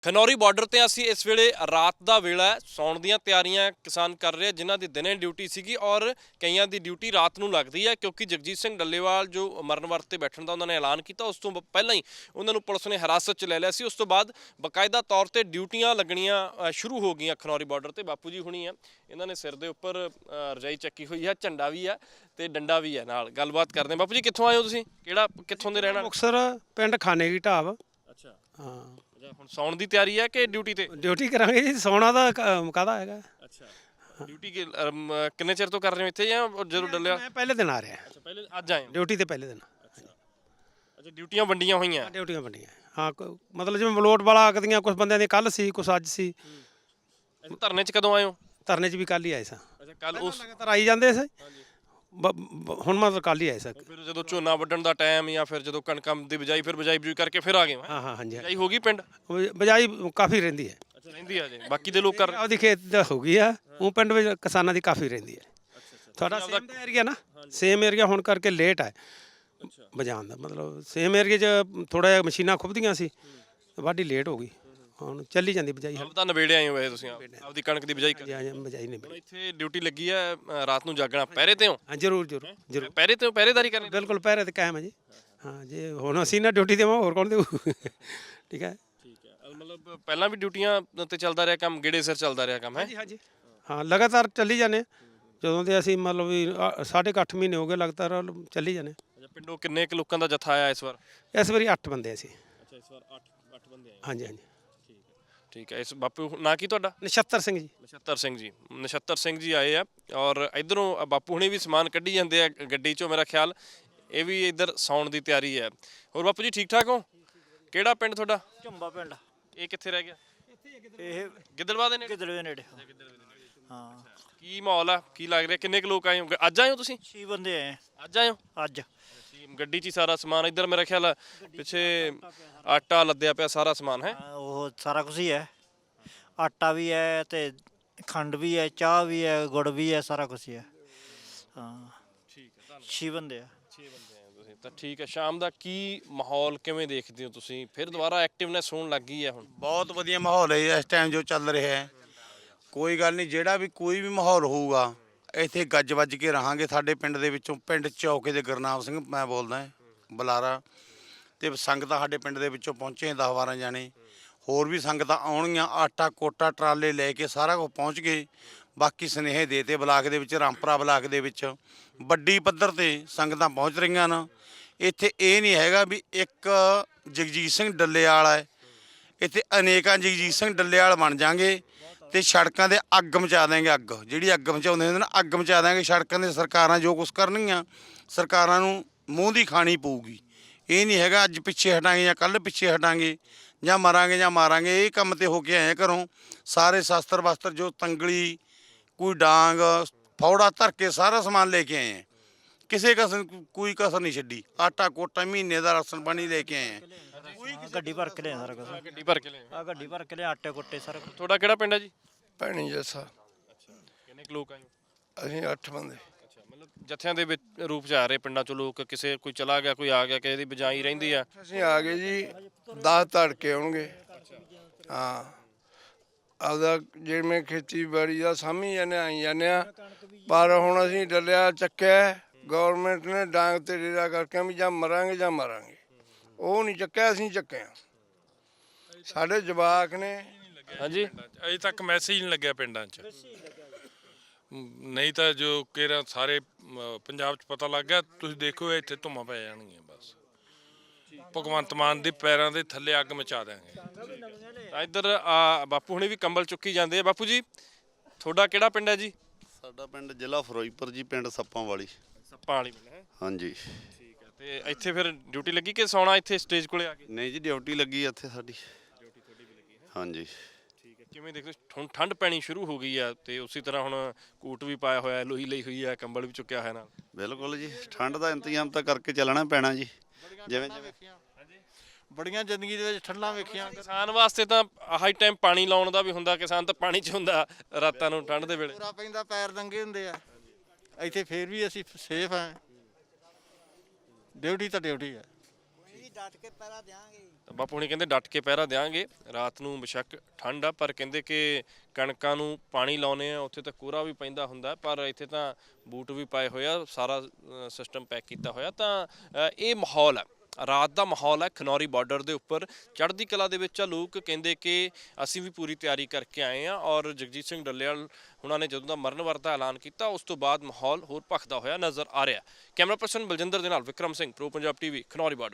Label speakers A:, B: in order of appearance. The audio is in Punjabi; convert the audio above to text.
A: ਖਨੌਰੀ ਬਾਰਡਰ ਤੇ ਅਸੀਂ ਇਸ ਵੇਲੇ ਰਾਤ ਦਾ ਵੇਲਾ ਹੈ, ਸੌਣ ਦੀਆਂ ਤਿਆਰੀਆਂ ਕਿਸਾਨ ਕਰ ਰਹੇ, ਜਿਨ੍ਹਾਂ ਦੀ ਦਿਨੇ ਡਿਊਟੀ ਸੀਗੀ ਔਰ ਕਈਆਂ ਦੀ ਡਿਊਟੀ ਰਾਤ ਨੂੰ ਲੱਗਦੀ ਹੈ ਕਿਉਂਕਿ ਜਗਜੀਤ ਸਿੰਘ ਡੱਲੇਵਾਲ ਜੋ ਮਰਨ ਵਰਤ ਤੇ ਬੈਠਣ ਦਾ ਉਹਨਾਂ ਨੇ ਐਲਾਨ ਕੀਤਾ, ਉਸ ਤੋਂ ਪਹਿਲਾਂ ਹੀ ਉਹਨਾਂ ਨੂੰ ਪੁਲਿਸ ਨੇ ਹਿਰਾਸਤ 'ਚ ਲੈ ਲਿਆ ਸੀ। ਉਸ ਤੋਂ ਬਾਅਦ ਬਕਾਇਦਾ ਤੌਰ ਤੇ ਡਿਊਟੀਆਂ ਲੱਗਣੀਆਂ ਸ਼ੁਰੂ ਹੋ ਗਈਆਂ ਖਨੌਰੀ ਬਾਰਡਰ ਤੇ। ਬਾਪੂ ਜੀ ਹੁਣੀ ਆ, ਇਹਨਾਂ ਨੇ ਸਿਰ ਦੇ ਉੱਪਰ ਰਜਾਈ ਚੱਕੀ ਹੋਈ ਹੈ, ਝੰਡਾ ਵੀ ਆ ਤੇ ਡੰਡਾ ਵੀ ਹੈ ਨਾਲ। ਗੱਲਬਾਤ ਕਰਦੇ ਬਾਪੂ ਜੀ, ਕਿੱਥੋਂ ਆਏ ਹੋ ਤੁਸੀਂ? ਕਿੱਥੋਂ ਦੇ ਰਹਿਣਾ?
B: ਮੁਕਤਸਰ ਪਿੰਡ ਖਾਨੇ ਕੀ ਢਾਬ।
A: ਅੱਛਾ
B: ਹਾਂ,
A: ਹੁਣ ਸੌਣ ਦੀ ਤਿਆਰੀ ਹੈ ਕਿ ਡਿਊਟੀ ਤੇ?
B: ਡਿਊਟੀ ਕਰਾਂਗੇ ਜੀ, ਸੌਣਾ ਦਾ ਕਾਹਦਾ ਹੈਗਾ।
A: ਅੱਛਾ, ਡਿਊਟੀ ਕਿੰਨੇ ਚਿਰ ਤੋਂ ਕਰ ਰਹੇ ਹੋ ਇੱਥੇ ਜਾਂ ਜਦੋਂ ਡੱਲਿਆ?
B: ਮੈਂ ਪਹਿਲੇ ਦਿਨ ਆ ਰਿਹਾ।
A: ਅੱਛਾ, ਪਹਿਲੇ ਅੱਜ ਆਏ ਹੋ
B: ਡਿਊਟੀ ਤੇ ਪਹਿਲੇ ਦਿਨ।
A: ਅੱਛਾ, ਡਿਊਟੀਆਂ ਵੰਡੀਆਂ ਹੋਈਆਂ?
B: ਡਿਊਟੀਆਂ ਵੰਡੀਆਂ। ਹਾਂ, ਮਤਲਬ ਜਿਵੇਂ ਮਲੋਟ ਵਾਲਾ ਆਕਦੀਆਂ, ਕੁਝ ਬੰਦਿਆਂ ਦੀ ਕੱਲ ਸੀ, ਕੁਝ ਅੱਜ ਸੀ।
A: ਧਰਨੇ 'ਚ ਕਦੋਂ ਆਏ ਹੋ?
B: ਧਰਨੇ 'ਚ ਵੀ ਕੱਲ ਹੀ ਆਏ ਸਾਂ।
A: ਅੱਛਾ, ਕੱਲ ਉਸ
B: ਲਗਾਤਾਰ ਆਈ ਜਾਂਦੇ ਸੀ। ਹੁਣ ਮਤਲਬ ਕੱਲ ਹੀ ਆਏ ਸਾਂ।
A: ਫਿਰ ਜਦੋਂ ਝੋਨਾ ਵੱਢਣ ਦਾ ਟਾਈਮ ਜਾਂ ਫਿਰ ਜਦੋਂ ਕਣਕਾਂ ਦੀ ਬਿਜਾਈ, ਫਿਰ ਬਿਜਾਈ ਬਜੂਈ ਕਰਕੇ ਫਿਰ ਆ ਗਏ ਹੋ?
B: ਹਾਂ ਹਾਂ, ਹਾਂਜੀ।
A: ਬਿਜਾਈ ਹੋ ਗਈ ਪਿੰਡ?
B: ਬਜਾਈ ਕਾਫੀ ਰਹਿੰਦੀ ਹੈ।
A: ਅੱਛਾ, ਰਹਿੰਦੀ ਆ ਜੀ। ਬਾਕੀ ਦੇ ਲੋਕ ਕਰ
B: ਉਹਦੀ ਖੇਤ ਦਾ ਹੋ ਗਈ ਆ, ਉਹ ਪਿੰਡ ਵਿੱਚ ਕਿਸਾਨਾਂ ਦੀ ਕਾਫੀ ਰਹਿੰਦੀ ਹੈ। ਤੁਹਾਡਾ ਸੇਮ ਦਾ ਏਰੀਆ ਨਾ, ਸੇਮ ਏਰੀਆ ਹੋਣ ਕਰਕੇ ਲੇਟ ਹੈ ਬਜਾਉਣ ਦਾ। ਮਤਲਬ ਸੇਮ ਏਰੀਆ 'ਚ ਥੋੜਾ ਜਿਹਾ ਮਸ਼ੀਨਾਂ ਖੁੱਬਦੀਆਂ ਸੀ, ਵਾਢੀ ਲੇਟ ਹੋ ਗਈ। ਹੁਣ ਚੱਲੀ ਜਾਂਦੀ ਬਜਾਈ।
A: ਆਪ ਤਾਂ ਨਵੇੜੇ ਆਏ ਹੋ ਵੈਸੇ ਤੁਸੀਂ, ਆਪਦੀ ਕਣਕ ਦੀ ਬਿਜਾਈ ਕਰ?
B: ਹਾਂ, ਬਜਾਈ ਨਹੀਂ।
A: ਹੁਣ ਇੱਥੇ ਡਿਊਟੀ ਲੱਗੀ ਹੈ, ਰਾਤ ਨੂੰ ਜਾਗਣਾ, ਪਹਿਰੇ ਤੇ ਹੋ?
B: ਹਾਂ, ਜ਼ਰੂਰ ਜ਼ਰੂਰ ਜ਼ਰੂਰ।
A: ਪਹਿਰੇ ਤੇ ਹੋ? ਪਹਿਰੇਦਾਰੀ ਕਰਨੀ?
B: ਬਿਲਕੁਲ ਪਹਿਰੇ ਤੇ ਕਾਇਮ ਹੈ ਜੀ। ਹਾਂ, ਜੇ ਹੁਣ ਅਸੀਂ ਨਾ ਡਿਊਟੀ ਦੇਵਾਂ ਹੋਰ ਕੌਣ ਦੇਊ? ਠੀਕ ਹੈ।
A: ਠੀਕ ਹੈ, ਮਤਲਬ ਪਹਿਲਾਂ ਵੀ ਡਿਊਟੀਆਂ ਤੇ ਚੱਲਦਾ ਰਿਹਾ ਕੰਮ, ਗੇੜੇ ਸਿਰ ਚੱਲਦਾ ਰਿਹਾ ਕੰਮ ਹੈ?
B: ਹਾਂਜੀ ਹਾਂਜੀ, ਹਾਂ, ਲਗਾਤਾਰ ਚੱਲੀ ਜਾਂਦੇ। ਜਦੋਂ ਦੇ ਅਸੀਂ ਮਤਲਬ ਵੀ 8.5 ਮਹੀਨੇ ਹੋ ਗਏ ਲਗਾਤਾਰ ਚੱਲੀ ਜਾਂਦੇ।
A: ਅੱਛਾ, ਪਿੰਡੋਂ ਕਿੰਨੇ ਕੁ ਲੋਕਾਂ ਦਾ ਜੱਥਾ ਆਇਆ ਇਸ ਵਾਰ?
B: ਇਸ ਵਾਰੀ 8 ਬੰਦੇ ਅਸੀਂ।
A: ਅੱਛਾ, ਇਸ ਵਾਰ 8 ਬੰਦੇ ਆਏ?
B: ਹਾਂਜੀ ਹਾਂਜੀ।
A: ਠੀਕ ਹੈ। ਇਸ ਬਾਪੂ ਨਾਂ ਕੀ ਤੁਹਾਡਾ?
B: ਨਛੱਤਰ ਸਿੰਘ ਜੀ।
A: ਨਛੱਤਰ ਸਿੰਘ ਜੀ। ਨਛੱਤਰ ਸਿੰਘ ਜੀ ਆਏ ਆ ਔਰ ਇਧਰੋਂ ਬਾਪੂ ਹੁਣੇ ਵੀ ਸਮਾਨ ਕੱਢੀ ਜਾਂਦੇ ਆ ਗੱਡੀ 'ਚੋਂ, ਮੇਰਾ ਖਿਆਲ ਇਹ ਵੀ ਇੱਧਰ ਸੌਣ ਦੀ ਤਿਆਰੀ ਹੈ। ਹੋਰ ਬਾਪੂ ਜੀ ਠੀਕ ਠਾਕ ਹੋ? ਕਿਹੜਾ ਪਿੰਡ ਤੁਹਾਡਾ?
C: ਝੁੰਬਾ ਪਿੰਡ।
A: ਇਹ ਕਿੱਥੇ ਰਹਿ ਗਿਆ?
C: ਇਹ
A: ਗਿੱਦੜਵਾ ਦੇ ਨੇੜੇ?
C: ਗਿੱਦੜਵੇ ਨੇੜੇ। ਹਾਂ।
A: ਕੀ ਮਾਹੌਲ ਆ, ਕੀ ਲੱਗ ਰਿਹਾ? ਕਿੰਨੇ ਕੁ ਲੋਕ ਆਏ ਹੋ? ਅੱਜ ਆਏ ਹੋ ਤੁਸੀਂ?
C: 6 ਬੰਦੇ ਆਏ
A: ਅੱਜ ਆਏ ਹੋ?
C: ਅੱਜ।
A: ਗੱਡੀ 'ਚ ਹੀ ਸਾਰਾ ਸਮਾਨ ਇੱਧਰ ਮੇਰਾ ਖਿਆਲ ਪਿੱਛੇ ਆਟਾ ਲੱਦਿਆ ਪਿਆ, ਸਾਰਾ ਸਮਾਨ ਹੈ?
C: ਉਹ ਸਾਰਾ ਕੁਝ ਹੀ ਹੈ, ਆਟਾ ਵੀ ਹੈ ਤੇ ਖੰਡ ਵੀ ਹੈ, ਚਾਹ ਵੀ ਹੈ, ਗੁੜ ਵੀ ਹੈ, ਸਾਰਾ ਕੁਝ ਹੀ ਹੈ। ਹਾਂ,
A: ਠੀਕ ਹੈ।
C: 6 ਬੰਦੇ ਆ।
A: 6 ਬੰਦੇ ਆਏ ਤੁਸੀਂ ਤਾਂ ਠੀਕ ਹੈ। ਸ਼ਾਮ ਦਾ ਕੀ ਮਾਹੌਲ ਕਿਵੇਂ ਦੇਖਦੇ ਹੋ ਤੁਸੀਂ? ਫਿਰ ਦੁਬਾਰਾ ਐਕਟਿਵਨੈਸ ਹੋਣ ਲੱਗ ਗਈ ਹੈ ਹੁਣ?
D: ਬਹੁਤ ਵਧੀਆ ਮਾਹੌਲ ਹੈ ਇਸ ਟਾਈਮ ਜੋ ਚੱਲ ਰਿਹਾ ਹੈ। ਕੋਈ ਗੱਲ ਨਹੀਂ, ਜਿਹੜਾ ਵੀ ਕੋਈ ਵੀ ਮਾਹੌਲ ਹੋਊਗਾ ਇੱਥੇ ਗੱਜ ਵੱਜ ਕੇ ਰਹਾਂਗੇ। ਸਾਡੇ ਪਿੰਡ ਦੇ ਵਿੱਚੋਂ, ਪਿੰਡ ਚੌਕੇ ਦੇ ਗੁਰਨਾਮ ਸਿੰਘ ਮੈਂ ਬੋਲਦਾ ਬੁਲਾਰਾ, ਅਤੇ ਸੰਗਤਾਂ ਸਾਡੇ ਪਿੰਡ ਦੇ ਵਿੱਚੋਂ ਪਹੁੰਚੇ 10-12 ਜਾਣੇ, ਹੋਰ ਵੀ ਸੰਗਤਾਂ ਆਉਣਗੀਆਂ। ਆਟਾ ਕੋਟਾ ਟਰਾਲੇ ਲੈ ਕੇ ਸਾਰਾ ਕੁਝ ਪਹੁੰਚ ਗਏ। ਬਾਕੀ ਸੁਨੇਹੇ ਦੇ ਤੇ ਬਲਾਕ ਦੇ ਵਿੱਚ, ਰਾਮਪੁਰਾ ਬਲਾਕ ਦੇ ਵਿੱਚ ਵੱਡੀ ਪੱਧਰ 'ਤੇ ਸੰਗਤਾਂ ਪਹੁੰਚ ਰਹੀਆਂ ਨੇ। ਇੱਥੇ ਇਹ ਨਹੀਂ ਹੈਗਾ ਵੀ ਇੱਕ ਜਗਜੀਤ ਸਿੰਘ ਡੱਲੇਵਾਲ ਹੈ, ਇੱਥੇ ਅਨੇਕਾਂ ਜਗਜੀਤ ਸਿੰਘ ਡੱਲੇਵਾਲ ਬਣ ਜਾਣਗੇ ਅਤੇ ਸੜਕਾਂ 'ਤੇ ਅੱਗ ਮਚਾ ਦੇਂਗੇ। ਅੱਗ ਜਿਹੜੀ ਅੱਗ ਮਚਾਉਂਦੇ ਹੁੰਦੇ ਨੇ, ਅੱਗ ਮਚਾ ਦੇਂਗੇ ਸੜਕਾਂ 'ਤੇ। ਸਰਕਾਰਾਂ ਜੋ ਕੁਛ ਕਰਨਗੀਆਂ, ਸਰਕਾਰਾਂ ਨੂੰ ਮੂੰਹ ਦੀ ਖਾਣੀ ਪਊਗੀ। ਇਹ ਨਹੀਂ ਹੈਗਾ ਅੱਜ ਪਿੱਛੇ ਹਟਾਂਗੇ ਜਾਂ ਕੱਲ੍ਹ ਪਿੱਛੇ ਹਟਾਂਗੇ ਜਾਂ ਮਰਾਂਗੇ ਜਾਂ ਮਾਰਾਂਗੇ। ਇਹ ਕੰਮ 'ਤੇ ਹੋ ਕੇ ਆਏ ਘਰੋਂ। ਸਾਰੇ ਸ਼ਸਤਰ ਵਸਤਰ, ਜੋ ਤੰਗਲੀ, ਕੋਈ ਡਾਂਗ, ਫੌੜਾ ਧਰ ਕੇ ਸਾਰਾ ਸਮਾਨ ਲੈ ਕੇ ਆਏ ਹੈ। ਕਿਸੇ ਕਸਰ, ਕੋਈ ਕਸਰ ਨਹੀਂ ਛੱਡੀ। ਆਟਾ ਕੋਟਾ, ਮਹੀਨੇ ਦਾ ਰਾਸ਼ਨ ਪਾਣੀ ਲੈ ਕੇ ਆਏ ਹੈ।
C: ਗੱਡੀ ਭਰ ਕੇ ਲਿਆ ਸਾਰਾ ਕੁਝ।
A: ਗੱਡੀ ਭਰ ਕੇ ਲਿਆਏ?
C: ਆ ਗੱਡੀ ਭਰ ਕੇ ਲਿਆ, ਆਟੇ ਕੁੱਟੇ ਸਾਰਾ ਕੁਝ।
A: ਤੁਹਾਡਾ ਕਿਹੜਾ ਪਿੰਡ ਹੈ ਜੀ?
E: ਭੈਣੀ ਜੱਸਾ।
A: ਕਿੰਨੇ ਕੁ ਲੋਕ ਆਏ ਹੋ?
E: ਅਸੀਂ 8 ਬੰਦੇ।
A: ਅੱਛਾ, ਮਤਲਬ ਜੱਥਿਆਂ ਦੇ ਵਿੱਚ ਰੂਪ 'ਚ ਆ ਰਹੇ ਪਿੰਡਾਂ 'ਚੋਂ ਲੋਕ? ਕਿਸੇ ਕੋਈ ਚਲਾ ਗਿਆ, ਕੋਈ ਆ ਗਿਆ, ਕਿਸੇ ਦੀ ਬਜਾਈ ਰਹਿੰਦੀ ਆ?
E: ਅਸੀਂ ਆ ਗਏ ਜੀ 10 ਤੜਕੇ ਆਉਣਗੇ। ਹਾਂ, ਆਪਦਾ ਜਿਵੇਂ ਖੇਤੀਬਾੜੀ ਦਾ ਸਾਂਭੀ ਜਾਂਦੇ ਆਈ ਜਾਂਦੇ ਆ। ਪਰ ਹੁਣ ਅਸੀਂ ਡੱਲਿਆ ਚੱਕਿਆ, ਗੌਰਮੈਂਟ ਨੇ ਡਾਂਗ ਤੇ ਡੇਰਾ ਕਰਕੇ ਵੀ ਜਾਂ ਮਰਾਂਗੇ ਜਾਂ ਮਾਰਾਂਗੇ। ਉਹ ਨਹੀਂ ਚੱਕਿਆ, ਅਸੀਂ ਚੱਕਿਆ। ਸਾਡੇ ਜਵਾਕ ਨੇ।
A: ਹਾਂਜੀ,
F: ਅਜੇ ਤੱਕ ਮੈਸੇਜ ਨਹੀਂ ਲੱਗਿਆ ਪਿੰਡਾਂ 'ਚ। ਨਹੀਂ ਤਾਂ ਜੋ ਕਿਹੜਾ ਸਾਰੇ ਪੰਜਾਬ 'ਚ ਪਤਾ ਲੱਗ ਗਿਆ। ਤੁਸੀਂ ਦੇਖੋ ਇੱਥੇ ਧੁੰਮਾਂ ਪੈ ਜਾਣਗੀਆਂ ਬਸ। ਭਗਵੰਤ ਮਾਨ ਦੇ ਪੈਰਾਂ ਦੇ ਥੱਲੇ ਅੱਗ ਮਚਾ ਦਿਆਂਗੇ।
A: ਇੱਧਰ ਬਾਪੂ ਹੁਣੇ ਵੀ ਕੰਬਲ ਚੁੱਕੀ ਜਾਂਦੇ ਆ। ਬਾਪੂ ਜੀ, ਤੁਹਾਡਾ ਕਿਹੜਾ ਪਿੰਡ ਹੈ ਜੀ?
G: ਸਾਡਾ ਪਿੰਡ ਜ਼ਿਲ੍ਹਾ ਫਿਰੋਜ਼ਪੁਰ ਜੀ, ਪਿੰਡ ਸੱਪਾਂ ਵਾਲੀ।
A: ਸੱਪਾਂ ਵਾਲੀ ਪਿੰਡ ਹੈ?
G: ਹਾਂਜੀ।
A: ਠੀਕ ਹੈ। ਤੇ ਇੱਥੇ ਫਿਰ ਡਿਊਟੀ ਲੱਗੀ ਕਿ ਸੌਣਾ ਇੱਥੇ ਸਟੇਜ ਕੋਲੇ ਆ ਕੇ?
G: ਨਹੀਂ ਜੀ, ਡਿਊਟੀ ਲੱਗੀ ਇੱਥੇ ਸਾਡੀ।
A: ਡਿਊਟੀ ਤੁਹਾਡੀ ਵੀ ਲੱਗੀ ਹੈ?
G: ਹਾਂਜੀ।
A: ਠੀਕ ਹੈ। ਕਿਵੇਂ ਦੇਖਦੇ ਹੁਣ ਠੰਡ ਪੈਣੀ ਸ਼ੁਰੂ ਹੋ ਗਈ ਆ ਤੇ ਉਸੇ ਤਰ੍ਹਾਂ ਹੁਣ ਕੋਟ ਵੀ ਪਾਇਆ ਹੋਇਆ, ਲੋਈ ਲਈ ਹੋਈ ਆ, ਕੰਬਲ ਵੀ ਚੁੱਕਿਆ ਹੋਇਆ ਨਾਲ?
G: ਬਿਲਕੁਲ ਜੀ, ਠੰਡ ਦਾ ਇੰਤਜ਼ਾਮ ਤਾਂ ਕਰਕੇ ਚੱਲਣਾ ਪੈਣਾ ਜੀ। ਜਿਵੇਂ
C: ਬੜੀਆਂ ਜ਼ਿੰਦਗੀ ਦੇ ਵਿੱਚ ਠੰਡਾਂ ਵੇਖੀਆਂ।
A: ਕਿਸਾਨ ਵਾਸਤੇ ਤਾਂ ਆਹੀ ਟਾਈਮ ਪਾਣੀ ਲਾਉਣ ਦਾ ਵੀ ਹੁੰਦਾ। ਕਿਸਾਨ ਤਾਂ ਪਾਣੀ 'ਚ ਹੁੰਦਾ ਰਾਤਾਂ ਨੂੰ ਠੰਡ ਦੇ ਵੇਲੇ।
C: ਪੂਰਾ ਪੈਂਦਾ, ਪੈਰ ਨੰਗੇ ਹੁੰਦੇ ਆ। ਇੱਥੇ ਫੇਰ ਵੀ ਅਸੀਂ ਸੇਫ ਹਾਂ। ਡਿਊਟੀ ਤਾਂ ਡਿਊਟੀ ਹੈ। ਡਟ ਕੇ ਪਹਿਰਾ ਦਿਆਂਗੇ।
A: ਤਾਂ ਬਾਪੂ ਹੁਣੀ ਕਹਿੰਦੇ ਡਟ ਕੇ ਪਹਿਰਾ ਦਿਆਂਗੇ। ਰਾਤ ਨੂੰ ਬੇਸ਼ੱਕ ਠੰਡ ਆ, ਪਰ ਕਹਿੰਦੇ ਕਿ ਕਣਕਾਂ ਨੂੰ ਪਾਣੀ ਲਾਉਨੇ ਆ, ਉੱਥੇ ਤਾਂ ਕੋਰਾ ਵੀ ਪੈਂਦਾ ਹੁੰਦਾ, ਪਰ ਇੱਥੇ ਤਾਂ ਬੂਟ ਵੀ ਪਾਏ ਹੋਏ ਆ, ਸਾਰਾ ਸਿਸਟਮ ਪੈਕ ਕੀਤਾ ਹੋਇਆ। ਤਾਂ ਇਹ ਮਾਹੌਲ ਹੈ, ਰਾਤ ਦਾ ਮਾਹੌਲ ਹੈ ਖਨੌਰੀ ਬਾਰਡਰ ਦੇ ਉੱਪਰ। ਚੜ੍ਹਦੀ ਕਲਾ ਦੇ ਵਿੱਚ ਆ ਲੋਕ, ਕਹਿੰਦੇ ਕਿ ਅਸੀਂ ਵੀ ਪੂਰੀ ਤਿਆਰੀ ਕਰਕੇ ਆਏ ਹਾਂ। ਔਰ ਜਗਜੀਤ ਸਿੰਘ ਡੱਲੇਵਾਲ ਉਹਨਾਂ ਨੇ ਜਦੋਂ ਦਾ ਮਰਨ ਵਰਤ ਦਾ ਐਲਾਨ ਕੀਤਾ, ਉਸ ਤੋਂ ਬਾਅਦ ਮਾਹੌਲ ਹੋਰ ਭਖਦਾ ਹੋਇਆ ਨਜ਼ਰ ਆ ਰਿਹਾ। ਕੈਮਰਾ ਪਰਸਨ ਬਲਜਿੰਦਰ ਦੇ ਨਾਲ Vikram Singh, pro Punjab TV, Khanauri border.